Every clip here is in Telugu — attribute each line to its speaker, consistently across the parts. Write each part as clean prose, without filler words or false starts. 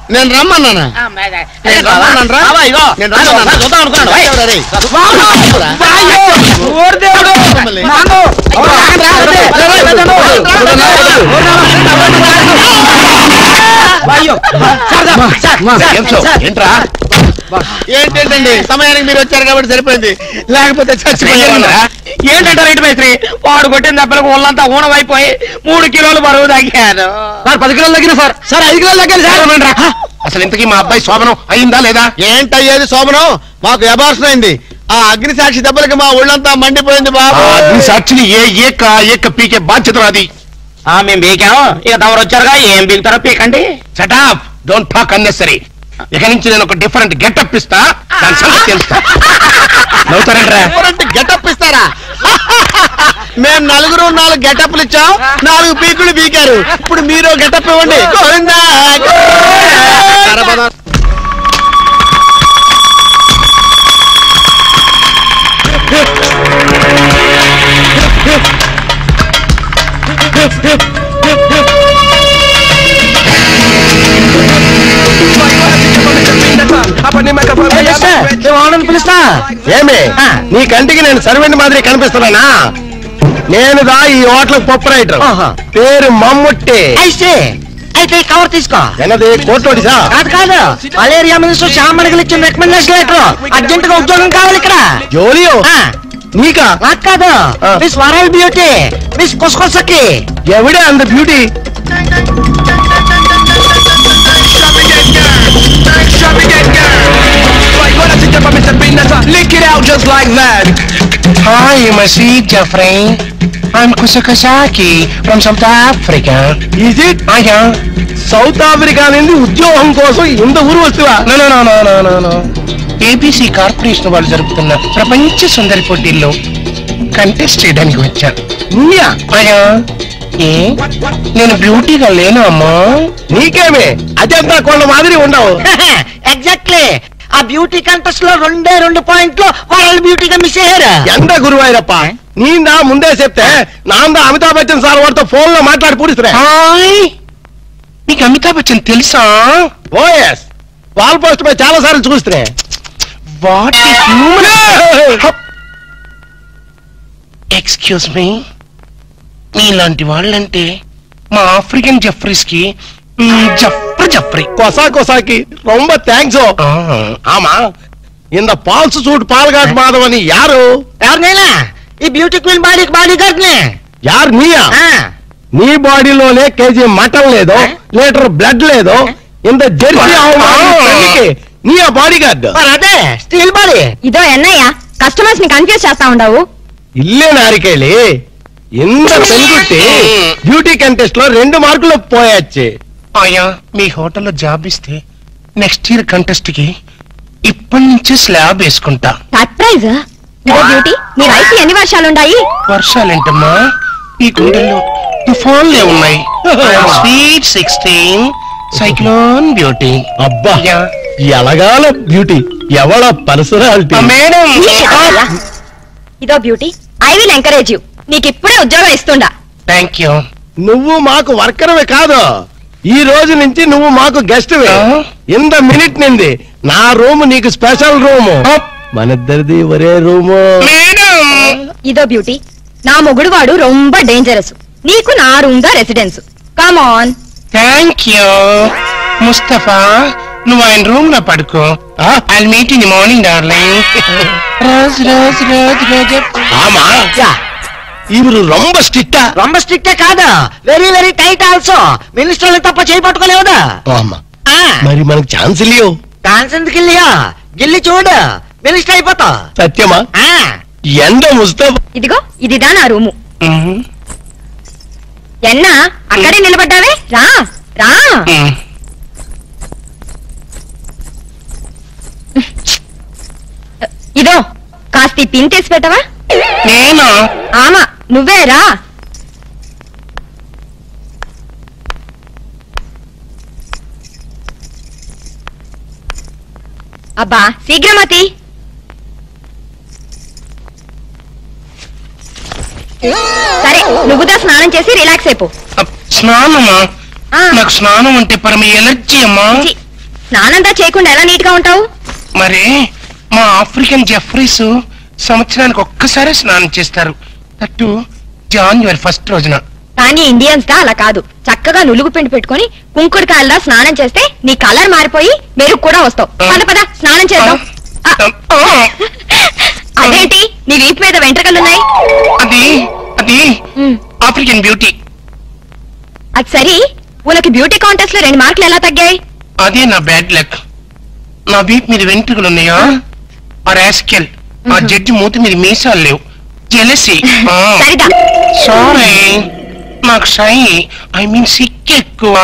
Speaker 1: నేను రమ్మన్నానా? ఏంటండి సమయానికి మీరు వచ్చారు కాబట్టి సరిపోయింది, లేకపోతే చచ్చిపోయారు.
Speaker 2: ఏంటంటారు ఏంటి మేస్త్రి? వాడు కొట్టిన దెబ్బలకు ఒళ్ళంతా ఊనమైపోయి 3 కిలోలు బరువు తగ్గాను.
Speaker 1: 10 కిలోలు తగ్గిన సార్. 5 కిలోలు తగ్గాను సార్.
Speaker 3: అసలు ఇంతకీ మా అబ్బాయి శోభనం అయిందా లేదా?
Speaker 1: ఏంటయ్యేది శోభనం? మాకు అబార్షన్ అయింది. ఆ అగ్ని సాక్షి దెబ్బలకి మా ఒళ్ళంతా మండిపోయింది బాబు.
Speaker 3: అగ్ని సాక్షిని ఏక పీకే బాధ్యత అది.
Speaker 2: మేము బీకాం, ఇక తమరు వచ్చారుగా ఏం బీగుతారో పీకండి.
Speaker 3: Shut up, don't talk unnecessary. ఇక నుంచి నేను ఒక డిఫరెంట్ గెటప్ ఇస్తా, దాని సంగతి తెలుస్తా. నవ్వుతారంట్రా?
Speaker 1: గెటప్ ఇస్తారా? మేము 4 గెటప్లు ఇచ్చాం, 4 పీకులు పీకారు. ఇప్పుడు మీరు గెటప్ ఇవ్వండి.
Speaker 2: పిలుస్తా.
Speaker 1: ఏమే నీ కంటికి నేను సర్వెంట్ మాదిరి కనిపిస్తున్నానా? నేను దా ఈ హోటల్ ప్రొపరైటర్, పేరు మమ్ముట్టి.
Speaker 2: అయితే కవర్ తీసుకో.
Speaker 1: ఎన్నది కోర్టోడిసా?
Speaker 2: కాదు, మలేరియా మినిస్టర్ శ్యామడికి ఇచ్చిన రికమెండేషన్ లెటర్. అర్జెంట్ గా ఉద్యోగం కావాలి ఇక్కడ.
Speaker 1: జోలియో నీకా?
Speaker 2: నాకు కాదు, మిస్ వరల్డ్ బ్యూటీ, మిస్ కొసకొసకి.
Speaker 1: ఎవడే అంత beauty?
Speaker 3: Lick it out just like that. Hi, my sweet Jeffrey. I'm Kusakasaki from South Africa.
Speaker 1: Is it?
Speaker 3: Yeah.
Speaker 1: South Africa నుండి ఉద్యోగం కోసం ఇంత ఊరు వస్తువా?
Speaker 3: No. ABC కార్పొరేషన్ వాళ్ళు జరుపుతున్న ప్రపంచ సుందరి పోటీల్లో కంటెస్ట్ చేయడానికి వచ్చాను. అయ్యా, నేను బ్యూటీగా లేను అమ్మా.
Speaker 1: నీకేమే అజంతా కొండ మాదిరి ఉండవు.
Speaker 2: ఎగ్జాక్ట్లీ. ఆ బ్యూటీ కంటెస్ట్ లో 2 పాయింట్లు వరల్డ్ బ్యూటీగా మిస్ అయ్యారు.
Speaker 1: ఎంత గురువాయిరప్ప, నీందా ముందే చెప్తే నాందా అమితాబ్ బచ్చన్ సార్ వాడితో ఫోన్ లో మాట్లాడి పూడిస్తున్నా.
Speaker 3: నీకు అమితాబ్ బచ్చన్ తెలుసా?
Speaker 1: ఓఎస్, వాల్ పోస్ట్ పై చాలా సార్లు చూస్తున్నా.
Speaker 3: What is human? Excuse me, మీలాంటి వాళ్ళంటే మా ఆఫ్రికన్ జఫ్రీస్ కి జఫ్రీ
Speaker 1: కొసాకి రొంబ థ్యాంక్స్. ఆమా ఇంద పాల్స్ సూట్ పాల్గాట్ మాధవ్ అని యారు?
Speaker 2: ఎవరినైనా ఈ బ్యూటీ క్వీన్ బాడీ గార్డ్ నే.
Speaker 1: యారు నీయా? నీ బాడీలోనే కేజీ మటన్ లేదో, లీటర్ బ్లడ్ లేదో, ఇంత జెర్సీ నీ ఆ బాడీ గార్డ్.
Speaker 2: అదే స్టీల్ బాడీ.
Speaker 4: ఇదో ఎన్నయ్య కస్టమర్స్ ని కన్ఫ్యూజ్ చేస్తా ఉండవు.
Speaker 1: ఇల్లే నారికేళి ఇంత పెరుగుట్టి బ్యూటీ కంటెస్ట్ లో 2 మార్కులు పోయొచ్చి.
Speaker 3: అయ్యా, మీ హోటల్లో జాబ్ ఇస్తే నెక్స్ట్ ఇయర్ కంటెస్ట్ కి ఇప్పటి నుంచే స్లాబ్ వేసుకుంటా.
Speaker 4: సర్ప్రైజ్. ఇదో బ్యూటీ, నీ వయసు ఎన్ని వర్షాలుండాయి?
Speaker 3: వర్షాలేంటమ్మా, ఈ గుండెల్లో తుఫాన్లే ఉన్నాయి. Sweet 16 cyclone beauty.
Speaker 1: అబ్బా, ఎలగాల బ్యూటీ, ఎవడ పర్సనాలిటీ.
Speaker 3: మేడం,
Speaker 4: ఇదో beauty, I will encourage you. నీకు ఇప్పుడే ఉద్యోగం ఇస్తుండా.
Speaker 3: Thank you.
Speaker 1: నువ్వు మాకు వర్కర్వే కాదు, ఈ రోజు నుంచి నువ్వు మాకు గెస్ట్. ఇంత మినిట్ నింది నా రూమ్ నీకు స్పెషల్ రూము. మనిద్దరిది ఒరే రూము.
Speaker 4: ఇదో బ్యూటీ, నా మొగుడు వాడు రొంబ డేంజరస్. నీకు నా రూమ్ గా residence. Come on.
Speaker 3: Thank you. Mustafa, నువ్వు ఆయన రూమ్ లో పడుకో. I'll meet in the morning darling.
Speaker 1: ఆమా, ఇವರು రొంబ స్ట్రిక్టా?
Speaker 2: రొంబ స్ట్రిక్టే కాదు, వెరీ వెరీ టైట్ ఆల్సో. మినిస్టర్లు తప్ప చేయి పట్టుకోలేవుదా?
Speaker 1: మరి మనకు ఛాన్స్ ఇల్లియో.
Speaker 2: ఛాన్స్ ఎందుకు ఇల్లియో? గిల్లి చూడు, మినిస్టర్ అయిపోతా.
Speaker 1: సత్యమా? ఎండ ముస్తఫా.
Speaker 4: ఇదిగో ఇదిదా నా రూము. ఎన్నా అక్కడే నిలబడ్డావే, రా రా. ఇదో కాస్త పిన్ తీసి పెట్టవా?
Speaker 3: నేనా?
Speaker 4: ఆమా నువ్వే రా. అబ్బా శీఘ్రమతి. సరే నువ్వుదా స్నానం చేసి రిలాక్స్ అయిపో.
Speaker 3: స్నానమా? నాకు స్నానం అంటే పరమ ఎలర్జీ అమ్మా.
Speaker 4: స్నానంతా చేయకుండా ఎలా నీట్ గా ఉంటావు?
Speaker 3: మరి మా ఆఫ్రికన్ జెఫ్రీస్ సంవత్సరానికి ఒక్కసారి స్నానం చేస్తారు, అటు జాన్యువరి 1 రోజున.
Speaker 4: కానీ ఇండియన్స్ గా అలా కాదు, చక్కగా నులుగు పిండి పెట్టుకుని కుంకుడుకాయల్లా స్నానం చేస్తే నీ కలర్ మారిపోయి మెరుగు కూడా వస్తావు. పద పద స్నానం చేద్దాం. అదేంటి నీ వీపు మీద వెంట్రుకలున్నాయి?
Speaker 3: అది అది ఆఫ్రికన్ బ్యూటీ.
Speaker 4: అది సరి, ఉనకి బ్యూటీ కాంటెస్ట్ లో 2 మార్కులు ఎలా తగ్గాయి?
Speaker 3: అదే నా బ్యాడ్ లక్. నా వీప్ మీద వెంట్రుకలు ఉన్నాయా? ఆ రాస్కెల్ ఆ జడ్జి మూతి మీద మీసాలు లేవు. జెలసీ.
Speaker 4: సరిగా
Speaker 3: సారీ, నాకు షై ఐ మీన్ సిక్ ఎక్కువ.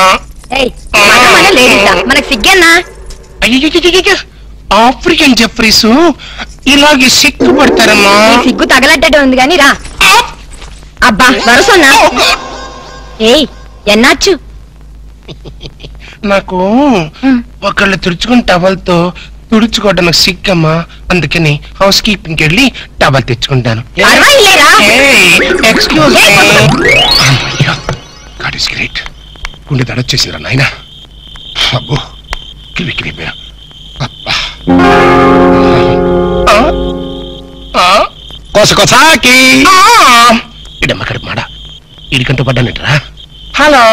Speaker 4: మనకు సిగ్గన్నా?
Speaker 3: అయ్యో, ఆఫ్రికన్ జెఫ్రీస్ ఇలాగే సిగ్గుపడతారమ్మా.
Speaker 4: సిగ్గు తగలడ్డట్టు ఉంది గాని రా. అబ్బా వరసన్నా. ఏయ్ ఎన్నాచ్చు?
Speaker 3: నాకు ఒకళ్ళు తుడుచుకుని టవల్తో తుడుచుకోవడం నాకు సిగ్గమ్మా, అందుకని హౌస్ కీపింగ్కి వెళ్ళి టవల్ తెచ్చుకుంటాను. Excuse God is great. గుండె దడొచ్చేసిందిరా నాయన. అబ్బో కివి కివి పోయా.
Speaker 1: కొసకొసాకి
Speaker 3: ఇడమ్మ కడుపు మాడ ఇడికంటూ పడ్డానంటరా. Hello,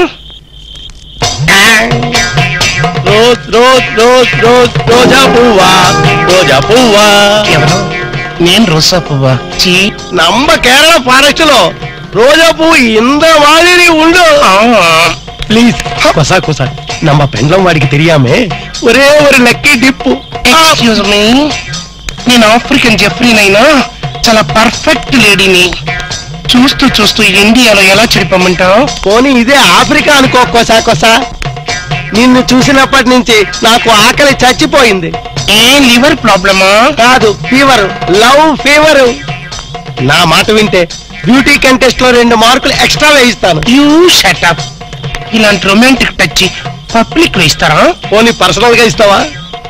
Speaker 1: rose rose rose rose రోజా పువ్వా, రోజా పువ్వా.
Speaker 3: ఎవరు? నేను రోజా పువ్వా? చీ,
Speaker 1: நம்ம கேரள ஃபாரஸ்ட் లో రోజా పువ్వు இந்த மாதிரி உண்டு. ప్లీజ్ కొసా కొసా, நம்ம పెండ్లం వాడికి తెలియామే ఒరే ஒரு లక్కీ డిప్పు.
Speaker 3: ఎక్స్క్యూజ్ మీ, నేను ఆఫ్రికన్ జెఫ్రీనైనా చాలా పర్ఫెక్ట్ లేడీని. చూస్తూ చూస్తూ ఇండియాలో ఎలా చెడిపోమంటావు?
Speaker 1: పోనీ ఇదే ఆఫ్రికా అనుకో కొసా కొసా. నిన్ను చూసినప్పటి నుంచి నాకు ఆకలి చచ్చిపోయింది.
Speaker 3: ఏ లివర్ ప్రాబ్లమా?
Speaker 1: కాదు, ఫీవర్, లవ్ ఫీవర్. నా మాట వింటే బ్యూటీ కంటెస్ట్ లో 2 మార్కులు ఎక్స్ట్రా వేయిస్తాను.
Speaker 3: You shut up. ఇలాంటి రొమాంటిక్ టచ్ పబ్లిక్ లో ఇస్తారా?
Speaker 1: పోనీ పర్సనల్ గా ఇస్తావా?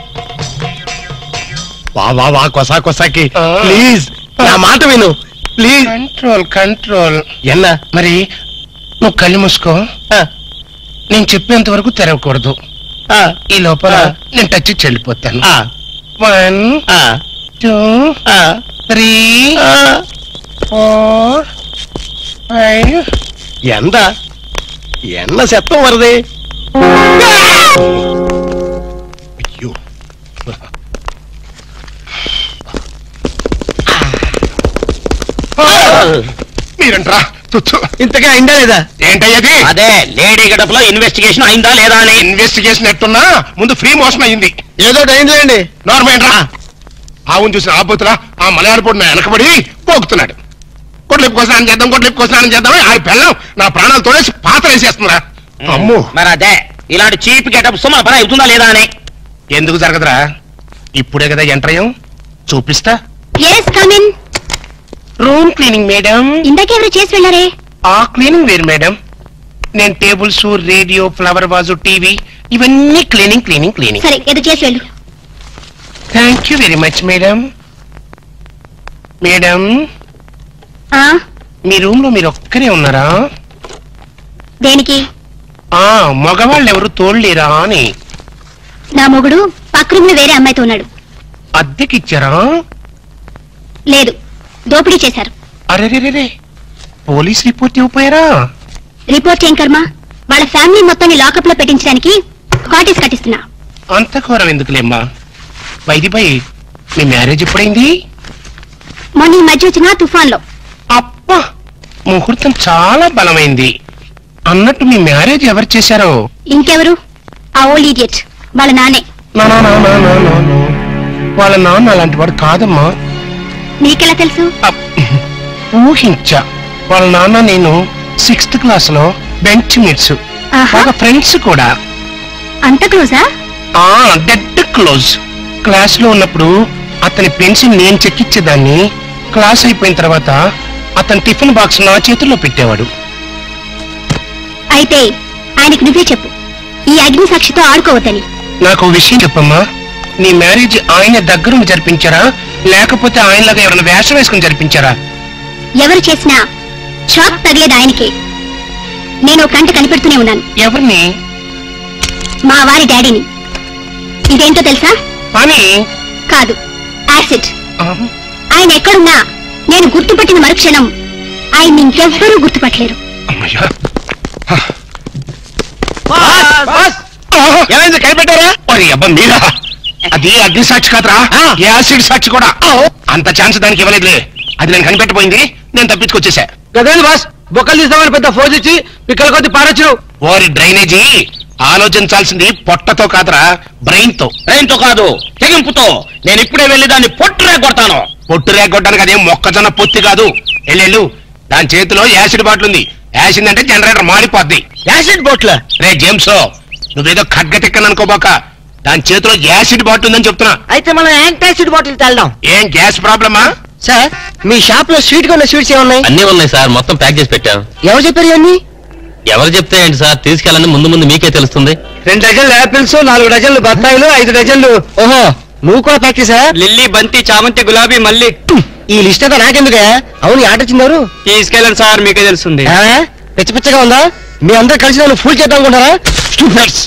Speaker 1: వా వా వా కొసా కొసాకి ప్లీజ్ నా మాట విను ప్లీజ్.
Speaker 3: Control control.
Speaker 1: ఎన్నా
Speaker 3: మరి నువ్వు కళ్ళు మూసుకో, నేను చెప్పేంత వరకు తెరవకూడదు. ఈ లోపల నేను టచ్ చెల్లిపోతాను. 1 2 3 4 5.
Speaker 1: ఎంత ఎన్న శతం వరది. అయ్యో,
Speaker 3: మీరంట్రా తుచ్చు.
Speaker 1: ఇంతగా అయిందా లేదా?
Speaker 3: ఏంటయ్యది?
Speaker 2: అదే లేడీ గడపలో ఇన్వెస్టిగేషన్ అయిందా లేదా అని.
Speaker 3: ఇన్వెస్టిగేషన్ ఎట్టున్నా ముందు ఫ్రీ మోషన్ అయింది.
Speaker 1: ఏదో అయిందిలేండి.
Speaker 3: నార్మల్ ఆవును చూసిన ఆపోతులా ఆ మలయాళ పొడిన వెనకబడి పోగుతున్నాడు. కొట్లిప్పు కోసం చేద్దాం, కొట్లిప్పు కోసం చేద్దాం. ఆ పిల్లం నా ప్రాణాలు తోడేసి పాత్ర వేసేస్తుందా. అమ్మో,
Speaker 2: మరి అదే ఇలాంటి చీప్ గెటప్స్ మన పని అవుతుందా లేదా అని.
Speaker 3: ఎందుకు జరగదురా? ఇప్పుడే కదా ఎంటర్ అయ్యాం, చూపిస్తా. Room cleaning madam.
Speaker 4: ఇందాకెవరు చేసి వెళ్ళారే?
Speaker 3: ఆ క్లీనింగ్ వేరు మేడం. నేను tables, radio, flower vase, TV ఇవన్నీ క్లీనింగ్ క్లీనింగ్ క్లీనింగ్.
Speaker 4: సరే ఏదో చేసి వెళ్ళు.
Speaker 3: Thank you very much madam. Madam, మీ రూమ్ లో మీరు ఒక్కరే ఉన్నారా?
Speaker 4: దేనికి?
Speaker 3: మగవాళ్ళు ఎవరు తోడలేరా అని.
Speaker 4: నా మొగుడు పక్క రూమ్ లో వేరే అమ్మాయితో ఉన్నాడు.
Speaker 3: అద్దెకిచ్చారా?
Speaker 4: లేదు, దోపిడీ చేశారు.
Speaker 3: అరే, పోలీస్ రిపోర్ట్ ఇవ్వపోయారా?
Speaker 4: రిపోర్ట్ ఏం కర్మ, వాళ్ళ ఫ్యామిలీ మొత్తాన్ని లాకప్ లో పెట్టించడానికి కాటేజ్ కట్టిస్తున్నా.
Speaker 3: అంత ఘోరం ఎందుకులేమ్మా. By me marriage ఎప్పుడైంది?
Speaker 4: మొన్న ఈ మధ్య వచ్చిన తుఫాన్ లో.
Speaker 3: అప్పా, ముహూర్తం చాలా బలమైంది. అన్నట్టు మీ మ్యారేజ్ ఎవరు చేశారో?
Speaker 4: ఇంకెవరు, ఆ ఓల్డ్ ఇడియట్ వాళ్ళ నాన్నే.
Speaker 3: వాళ్ళ నాన్న అలాంటి వాడు కాదమ్మా.
Speaker 4: నీకెలా తెలుసు?
Speaker 3: ఊహించా. వాళ్ళ నాన్న నేను 6th క్లాస్ లో బెంచ్ మీట్స్, బాగా ఫ్రెండ్స్ కూడా.
Speaker 4: అంత క్లోజా?
Speaker 3: Dead close. క్లాస్ లో ఉన్నప్పుడు అతని పెన్సిల్ నేను చెక్కిచ్చేదాన్ని. క్లాస్ అయిపోయిన తర్వాత అతని టిఫిన్ బాక్స్ నా చేతుల్లో పెట్టేవాడు.
Speaker 4: అయితే ఆయనకు నువ్వే చెప్పు, ఈ అగ్ని సాక్షితో ఆడుకోవద్దని.
Speaker 3: నాకు విషయం చెప్పమ్మా. నీ మ్యారేజ్ ఆయన దగ్గరుండి జరిపించారా, లేకపోతే ఆయనలాగా ఎవరైనా వేషం వేసుకుని జరిపించారా?
Speaker 4: ఎవరు చేసినా షాక్ తగిలేది ఆయనకే. నేను కంట కనిపెడుతూనే ఉన్నాను.
Speaker 3: ఎవరిని?
Speaker 4: మా వారి డాడీని.
Speaker 5: ఇదేంటో తెలుసా?
Speaker 3: పని
Speaker 5: కాదు, యాసిడ్. ఆయన ఎక్కడున్నా నేను గుర్తుపట్టిన మరుక్షణం ఆయన ఇంకెవ్వరూ గుర్తుపట్టలేరు.
Speaker 3: అమ్మయ్యా.
Speaker 1: ఏమైంది కనిపెట్టారా?
Speaker 3: మరి అబ్బా మీరా? అది అగ్ని సాక్షి కాదురా, యాసిడ్ సాక్షి కూడా. అంత ఛాన్స్ దానికి ఇవ్వలేదులే. అది నేను కనిపెట్టబోయింది, నేను తప్పించుకొచ్చేసా.
Speaker 1: గదేంది బాస్, బొక్కలు తీస్తామని పెద్ద ఫోజ్ ఇచ్చి పిక్కల కొద్ది పారొచ్చు.
Speaker 3: ఓరి డ్రైనేజీ, ఆలోచించాల్సింది పొట్టతో కాదురా, బ్రెయిన్ తో.
Speaker 6: బ్రెయిన్ తో కాదు, తెగింపుతో. నేను ఇప్పుడే వెళ్ళి దాన్ని పొట్టురే కొడతాను.
Speaker 3: పొట్టు రేగొట్టడానికి అదేం మొక్కజొన్న పొత్తి కాదు. ఎల్లెళ్ళు, దాని చేతిలో యాసిడ్ బాటిల్ ఉంది. యాసిడ్ అంటే జనరేటర్ మాడిపోద్ది.
Speaker 1: యాసిడ్ బోట్ల
Speaker 3: రే జేమ్స్, నువ్వేదో ఖడ్గతిక్కని అనుకోబాక. దాని చేతిలో యాసిడ్ బాటిల్ ఉందని చెప్తున్నా.
Speaker 2: అయితే మనం యాంటాసిడ్ బాటిల్ తెల్దాం.
Speaker 3: ఏం గ్యాస్ ప్రాబ్లమా?
Speaker 1: సార్, మీ షాప్ లో స్వీట్ గా ఉన్న స్వీట్స్ ఏమున్నాయి?
Speaker 6: అన్నీ ఉన్నాయి సార్, మొత్తం ప్యాక్ చేసి పెట్టాం.
Speaker 1: ఎవరు చెప్పారు ఇవన్నీ?
Speaker 6: ఎవరు చెప్తే ఏంటి సార్, తీసుకెళ్ళండి, ముందు ముందు మీకే తెలుస్తుంది.
Speaker 1: 2 డజన్లు యాపిల్స్, 4 డజన్లు బత్తాయిలు, 5 డజన్లు. ఓహో, నువ్వు కూడా ప్యాక్ చేసా?
Speaker 6: లిల్లీ, బంతి, చామంతి, గులాబీ, మల్లి.
Speaker 1: ఈ లిస్ట్ అంతా నాకెందుకే? అవును, ఆట వచ్చిందారు.
Speaker 6: తీసుకెళ్ళండి సార్, మీకే తెలుస్తుంది.
Speaker 1: పిచ్చ పిచ్చగా ఉందా? మీ అందరూ కలిసి నన్ను ఫుల్ చేద్దాం అనుకుంటారా? స్టూపిడ్స్.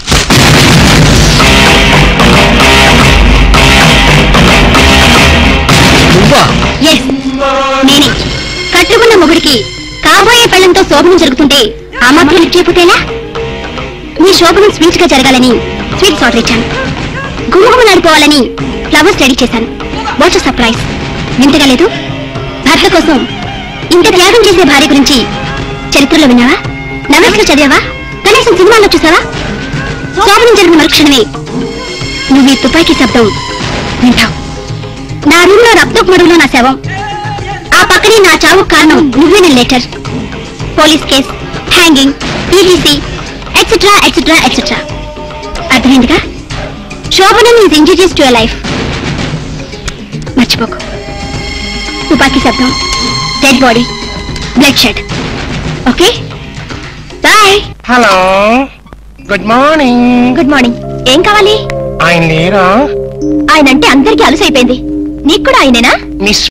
Speaker 1: నువ్వా?
Speaker 5: ఎస్, నేనే. కట్టుకున్న మొగుడికి కాబోయే పెళ్లంతో శోభనం జరుగుతుంటే ఆ మాత్రం లిఫ్ట్ చేయకపోతేనా? మీ శోభనం స్వీట్ గా జరగాలని స్వీట్స్ ఆర్డర్ ఇచ్చాను. గుమ్మగుమ్మలాడిపోవాలని ఫ్లవర్స్ రెడీ చేశాను. What surprise! వింతగా లేదు? భర్త కోసం ఇంత త్యాగం చేసే భార్య గురించి చరిత్రలో విన్నావా? నవల్స్ లో చదివావా? కనీసం సినిమాలో చూసావా? శోభనం జరిగిన మరుక్షణమే నువ్వు ఈ తుపాకీ శబ్దం వింటావు. నా రూమ్ లో రక్తపు మడుగులో నా శవం, ఆ పక్కనే నా చావు కారణం నువ్వేన letter, police case, hanging, EDC, etcetera etcetera etcetera. అర్థమైందిగా? శోభనం is injurious to your life. మర్చిపోకు. తుపాకీ శబ్దం, dead body, bloodshed. Okay, bye.
Speaker 3: Hello, good morning.
Speaker 5: Good morning. ఏం కావాలి?
Speaker 3: ఆయన లేరా?
Speaker 5: ఆయన అంటే అందరికీ అలసైపోయింది. నీకు కూడా ఆయనేనా?
Speaker 3: మిస్